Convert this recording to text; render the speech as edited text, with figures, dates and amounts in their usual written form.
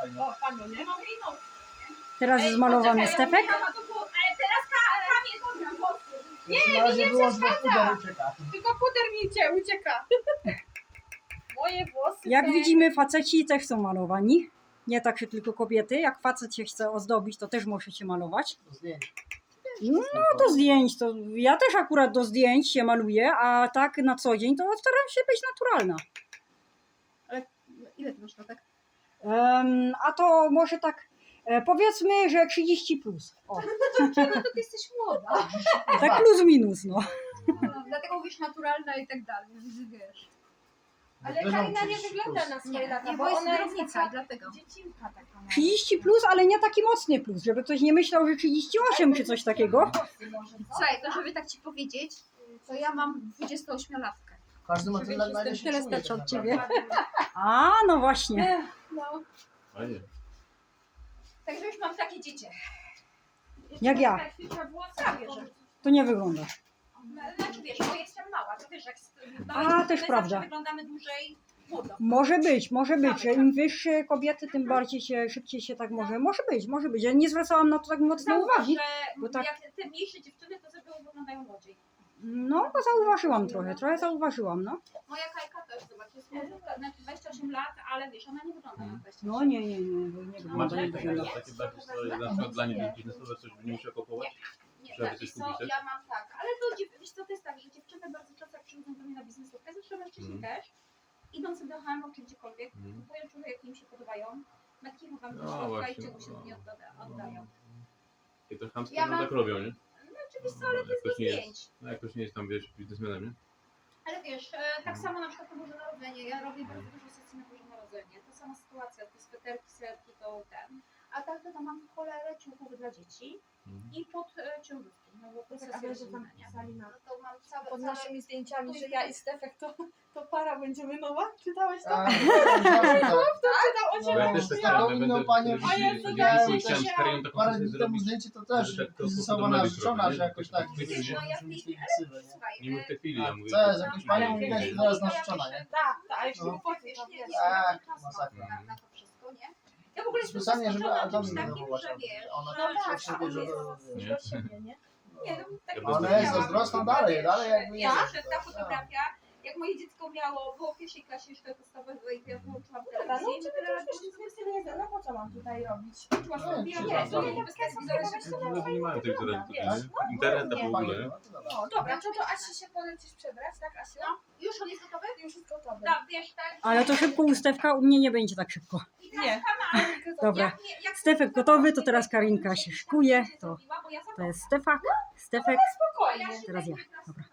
fajnie. O, panu, nie? Teraz jest zmalowany Stefek. Ale teraz Kamil dobra włosy. Nie, na razie wyłącz, bo puder ucieka. Tylko puder mi ucieka. Moje włosy. Jak te- widzimy, faceci też są malowani. Nie tak, że tylko kobiety. Jak facet się chce ozdobić, to też możecie malować. Do zdjęć. No do zdjęć, to ja też akurat do zdjęć się maluję, a tak na co dzień to staram się być naturalna. Ale ile ty masz latek? A to może tak powiedzmy, że 30 plus. O, Dlaczego to ty jesteś młoda? tak plus minus, no. Dlatego mówisz naturalna i tak dalej, wiesz. Ale Wygląda Karina nie 30 wygląda plus. na swoje lata, Nie, bo bo jest ona jest kierownica taka i dlatego. dziecinka taka. 30 plus, ale nie taki mocny plus, żeby ktoś nie myślał, że 38 czy coś takiego. Słuchaj, to żeby tak ci powiedzieć, to ja mam 28-latkę. Każdy ma tyle, na ile się tyle czuje, starczy tak od ciebie. naprawdę. A, no właśnie. No, Fajnie. także już mam takie dziecię. Jak ja. Tak, wiesz. To nie wyglądasz. Znaczy wiesz, bo jestem mała, to wiesz, jak A, też my prawda. zawsze wyglądamy dłużej młodo. Może być, że im wyższe kobiety, tym bardziej się, szybciej się tak może być. Ja nie zwracałam na to tak mocno Zauważ, uwagi. że bo tak- jak te mniejsze dziewczyny, to sobie wyglądają młodziej. No, bo zauważyłam trochę zauważyłam, no. Moja Kajka też, zobacz, jest młodziutka, znaczy 28 lat, ale wiesz, ona nie wygląda na 28 No nie, bo nie wygląda Macie jak takie, wygląda. takie bardziej historie, na przykład dla nich biznesowe coś by nie musiał kupować? Nie, Trzeba tak, coś wiesz co, kupić, tak? ja mam tak, ale to wiesz co, to jest tak, że dziewczyny bardzo często jak przychodzą do mnie na biznesówkę, zresztą mężczyźni Mhm. też, idą sobie do H&M czy gdziekolwiek, Mhm. kupują czuchy, jakie im się podobają, metki wam do No środka i właśnie, czego się no. nie oddają. I to chamskie Ja no mam- tak robią, nie? No oczywiście, ale to jest do Jakoś nie zdjęć. jest, no jakoś nie jest tam, wiesz, biznesmenem, nie? Ale wiesz, tak samo na przykład na Boże Narodzenie, ja robię bardzo dużo sesji na Boże Narodzenie, to sama sytuacja, te sweterki, serki, to ten. A tak to mam w cholerę ciuchów dla dzieci Mhm. i pod ciągówki, no bo to A sesja wiesz, że tam rodzinna, nie? pisali na No to mam całe, pod całe naszymi zdjęciami, że ja i Stefek to para będziemy nowa? Czytałeś to? A, zawsze tak. Czytał o No, ciebie. Ja też tak taką będę inną panią telewizji- A ja telewizji widziałem, pójść, chciałem też z Karią taką parę sesję dni temu zrobić. zdjęcie to też Tak, to kryzysowa podobne być narzeczona, trochę, że nie? jakoś Tak, tak, tak, wiesz, no ja w tej myśleli chwili, ksywę, nie? słuchaj, Nie mów w tej chwili, ja mówię. Co jest, jakąś panią widać, że teraz narzeczona, nie? Tak, a jeszcze No. nie potem, wiesz, to nie, wiesz. nie, Tak, nie, masakra. na to wszystko, nie? Ja w ogóle jestem Specjalnie, żeby zaskoczona Adam czymś nie takim, denerwować, że wiesz, ona że- No tak, się a on bierze jest do- Nie? od siebie, nie? Nie, no tak Ja jak Ona miałam, jest zazdrosna dalej, wiesz, dalej jakby ja, jest. że ta fotografia, jak moje dziecko było w pierwszej klasie szkoły podstawowej, to ja włączyłam Dobra, no telewizję i ciebie tyle to lat już wiesz, nie wiem, no po co mam tutaj robić? włączyłam Nie, sobie, czy ja tam nie bez telewizora się Ludzie nie mają telewizora tutaj, Tak? nie? Internet w ogóle, nie? No to dobra. No dobra, to Asi się polecisz przebrać, tak Asiu? No, już on jest gotowy? Już jest gotowy. Tak, wiesz, tak. Ale to szybko ustewka, u mnie nie będzie tak szybko. I teraz Nie. kanał. Dobra. Jak Stefek gotowy, to teraz Karinka się szykuje. To bo ja jest Stefek. Spokojnie. Teraz ja. Dobra.